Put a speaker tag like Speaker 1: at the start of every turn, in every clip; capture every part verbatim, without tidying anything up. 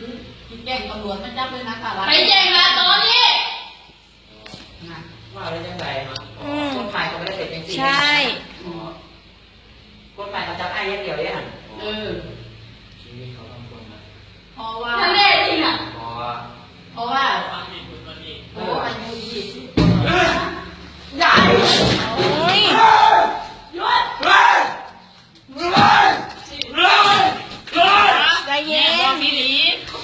Speaker 1: กินแกงตำรวจมันจับเลยนะค่ะ
Speaker 2: ไปแจ้งละตอนนี้
Speaker 3: ว่าอะไรจังไรคนขายเขาไม่ได้เสร็จจริงๆ
Speaker 4: ใช่
Speaker 3: คนขายเขาจับไอ้ยังเดียวเนี่ย
Speaker 1: เออ
Speaker 3: ชีวิตเขาต้องคนนะ
Speaker 1: เพราะว่า
Speaker 2: ทะเลจริงอ่ะ
Speaker 3: เพราะ
Speaker 1: เพราะว่าโอ้อายุยี่สิบ
Speaker 3: ใหญ่
Speaker 4: โอ้ย
Speaker 2: หยุด
Speaker 4: ใจเย็น
Speaker 2: พี่หลี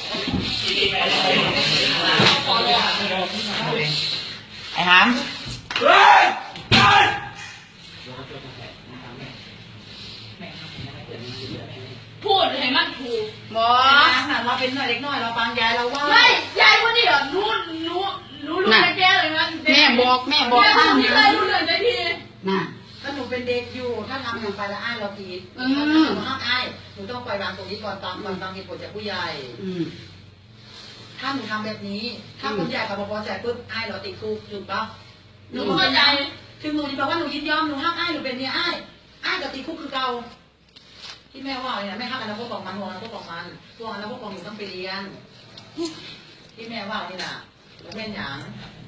Speaker 3: ไอ้หาม
Speaker 2: พูดให้มันถูก
Speaker 1: หมอเราเป็นหน่อยเล็กน้อยเราฟังยายเราว่า
Speaker 2: ไม่ยายคนนี้เหรอรู้รู้รู้รู้แก่เลยมัน
Speaker 1: แม่บอกแม่บอก
Speaker 2: ท่า
Speaker 1: ท่าน น
Speaker 2: ไม่เคยรู้เรื่องใจพี่
Speaker 1: น่ะถ้าหนูเป็นเด็กอยู่ถ้าทำอย่างไปแล้วอ้ายเราผิดหนูห้ามอ้ายหนูต้องปล่อยวางตรงนี้ก่อนตามก่อนตามเหตุผลจากผู้ใหญ่ถ้าหนูทำแบบนี้ถ้าผู้ใหญ่เขาบอกพอใจปุ๊บอ้ายเราติดคุกถูกปะ
Speaker 2: หนูเข้าใจ
Speaker 1: ถึงหนูบอกว่าหนูยินยอมหนูห้ามอ้ายหนูเป็นเมียอ้ายอ้ายกับติดคุกคือเก่าที่แม่ว่าเนี่ยแม่ห้ามอนาคตของมันห่วงอนาคตของมันห่วงอนาคตของหนูต้องไปเรียนที่แม่ว่านี่น่ะแม่หยาง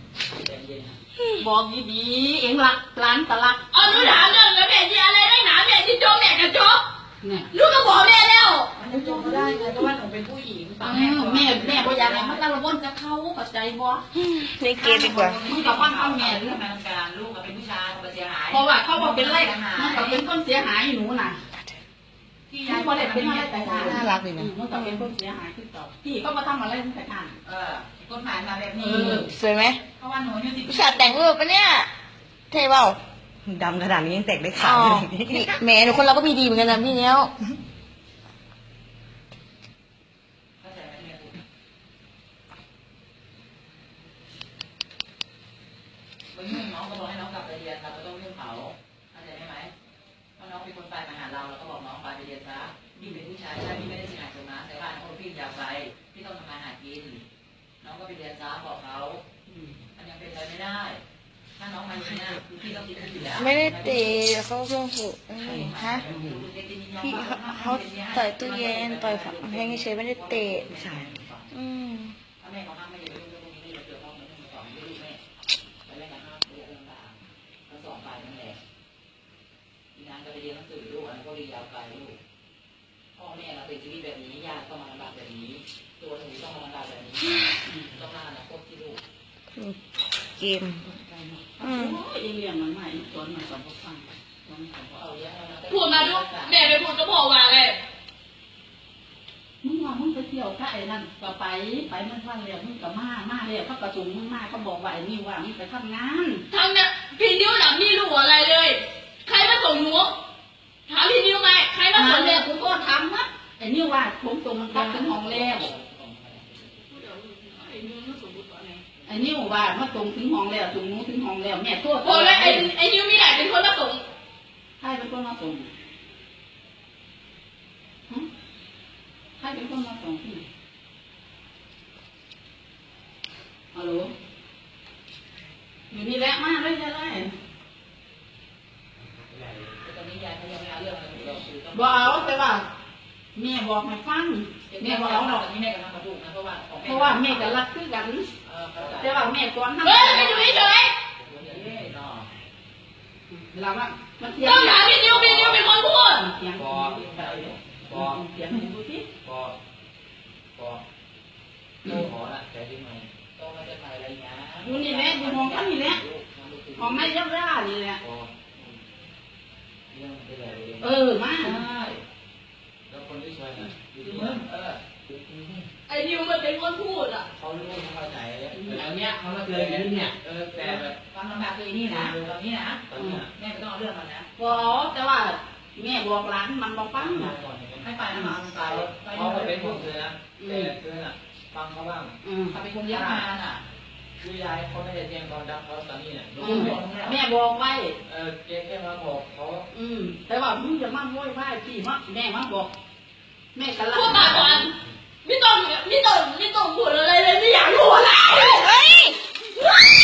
Speaker 1: บอกดีๆเองรักร้านตะลัก
Speaker 2: อ๋อหนูถามเรื่องแล้วแม่ที่อะไรได้หนาแม่ที่โจแม่กับโจ
Speaker 1: เนี่ย
Speaker 2: ลูกก็บอกแม่แล้ว
Speaker 1: มันจะจบก็ได้ไงเพราะว่าหนูเป็นผู้หญิงฟังแม่แม่แม่ก็อยากให้มันตะละวนจะเข้าเข้าใจบ่
Speaker 4: นี่เกดีกว่า
Speaker 1: มึงกับว่าเอาแม่หรือแม่การลูกกับเป็นผู้ชายเขาเสียหายเพราะว่าเขาบอกเป็นไรมันกับเป็นคนเสียหายหนูน่ะที่ยายก็เลยเป็นอะไรแต่ทาง
Speaker 4: น่ารักดีนะ
Speaker 1: มันกับเป็นคนเสียหายที่ต่อพี่ก็มาทำอะไรตั้งแต่ทางเออคนหายมาแบบนี้
Speaker 4: สวยไหม
Speaker 1: เพราะว่าหนูเนี่ยสิ
Speaker 4: ผู้ชายแต่งรูปปะเนี่ยเท่เปล่า
Speaker 3: ดำขนาดนี้ยังแต่งได้ขาว
Speaker 4: นี่แหมหนูคนเราก็มีดีเหมือนกันนะพี่เนี้ย
Speaker 1: วันนี้น้องก็บอกให้น้องกลับไปเรียนเราก็ต้องเรื่องเขาเข้าใจไหมเพราะน้องเป็นคนไปมาหาเราเราก็บอกน้องไปไปเรียนซะพี่เป็นผู้ชายใช่พี่ไม่ได้เสียหายตรงนั้นแต่ว่าน้องพี่อยากไปพี่ต้องทำงานหากินน้องก็ไปเรียนซะบอกเขามันยังเป็นไปไม่ได้ถ้าน้องมาอย่างนี้พี่ต้องติดคุกอยู่แล้ว
Speaker 4: ไม่ได้ตีเขาเพิ่งฝึกฮะพี่เขาต่อยตู้เย็นต่อยฝังเพลงเฉยไม่ได้เตะ
Speaker 3: ใช่
Speaker 4: อืม
Speaker 1: ถ้าแม่เขาห้ามไม่ได้เรื่องตรงนี้เราเจอพ่อแม่สอนไม่รู้แม่ไปเล่นกันห้ามเรียนลำบากก็สอนไปนั่นแหละทีนั้นก็ไปเรียนหนังสือลูกอันนั้นก็เรียนยาวไกลลูกพ่อแม่เราเป็นชีวิตแบบนี้ญาติต้องมาลำบากแบบนี้ตัวหนูต้องมาลำบากแบบนี้ต้องมาอนาคตที่ลูก
Speaker 4: เกมอืม
Speaker 1: ยังเรียนมันใหม่ตอนมันสอนพวกฟัง
Speaker 2: พูดมาดูแม่ไปพูดกับพ่อว่าเลย
Speaker 1: มึงว่ามึงไปเที่ยวข้าไอ้นั่นก็ไปไปมันฟังเรียนมึงก็มามาเรียนเขาประชุมมึงมาเขาบอกว่าไอ้นี่ว่ามึงไปทำงาน
Speaker 2: ทางเนี่ยพี่นิ้วหนังไม่รู้อะไรเลย ใครมาส่งหนูถามพี่นิ้วไหมใครมาส่ง
Speaker 1: เรียนกูก็ทำนะไอ้นี่ว่าผมส่งมันกลับถึงห้องแล้วไอ้นิ้วว่ามาส่งถึงห้องแล้วส่งหนูถึงห้องแล้วแม่ตัว
Speaker 2: โอ้แล้วไอ้ไอ้นิ้วไม่ได้เป็นคนมาส่ง
Speaker 1: ใครเป็นคนมาส่งใครเป็นคนมาส่งที่ฮัลโหลอยู่นี่แหละมาเลยจะได้บอกเอาแต่ว่าแม่บอกให้ฟังแม่บอกเอาหรอกแม่กับทำกระดูกนะเพราะว่าเพราะว่าแม่กับรักคือกันแต่ว่าแม่ก่อนทำ
Speaker 2: เฮ้ยไม่อยู่เฉย
Speaker 1: เราว่า
Speaker 2: ต้องถามพี่นิ้วพี่นิ้วเป็นคนพูด
Speaker 1: เสียงบอกบอกเสียงดูสิ
Speaker 3: บอกบอกโตขอละใจที่ไหนโตมาจะไหนอะไรเงี้ย
Speaker 1: อยู่นี่แหละอยู่มองกันนี่แหละมองไม่ยับยั้งนี่แหละเออมา
Speaker 3: แล้วคนที่ช่วยนะอยู่ที่เออ
Speaker 2: ไอ้นิ้วมันเป็นคนพูดอ่ะ
Speaker 3: เขารู้เขาเข้าใจแล้วเนี้ยเขามาเจออย่างนี้เนี่ยเออแต่แบบ
Speaker 1: ฟังลำบากเลยนี่นะตอนนี้นะ
Speaker 3: ตอนนี้
Speaker 1: แม่ไม่ต้องเอาเรื่องมันนะบอกแต่ว่าแม่บอกหลานมันบอกฟังให้ไปนะมันไป
Speaker 3: เขาเป็นคนเธอนะแต่เธอน่ะฟังเขาบ้าง
Speaker 1: เขาเป็นคนเลี้ยงมาน่ะ
Speaker 3: คือยายเขาไม่ได้เลี้ยงตอนดับเขาตอนนี้เนี่ย
Speaker 1: แม่บอกไว้
Speaker 3: เออแกแค่มาบอกเขา
Speaker 1: อืมแต่ว่ามึงจะมาโวยว่าพี่มะแม่มาบอกแม่กันละ
Speaker 2: พูดมาก่อนไม่ต้องไม่ต้องไม่ต้องพูดอะไรเลยไม่อยากรู้อะไร
Speaker 4: เฮ้ย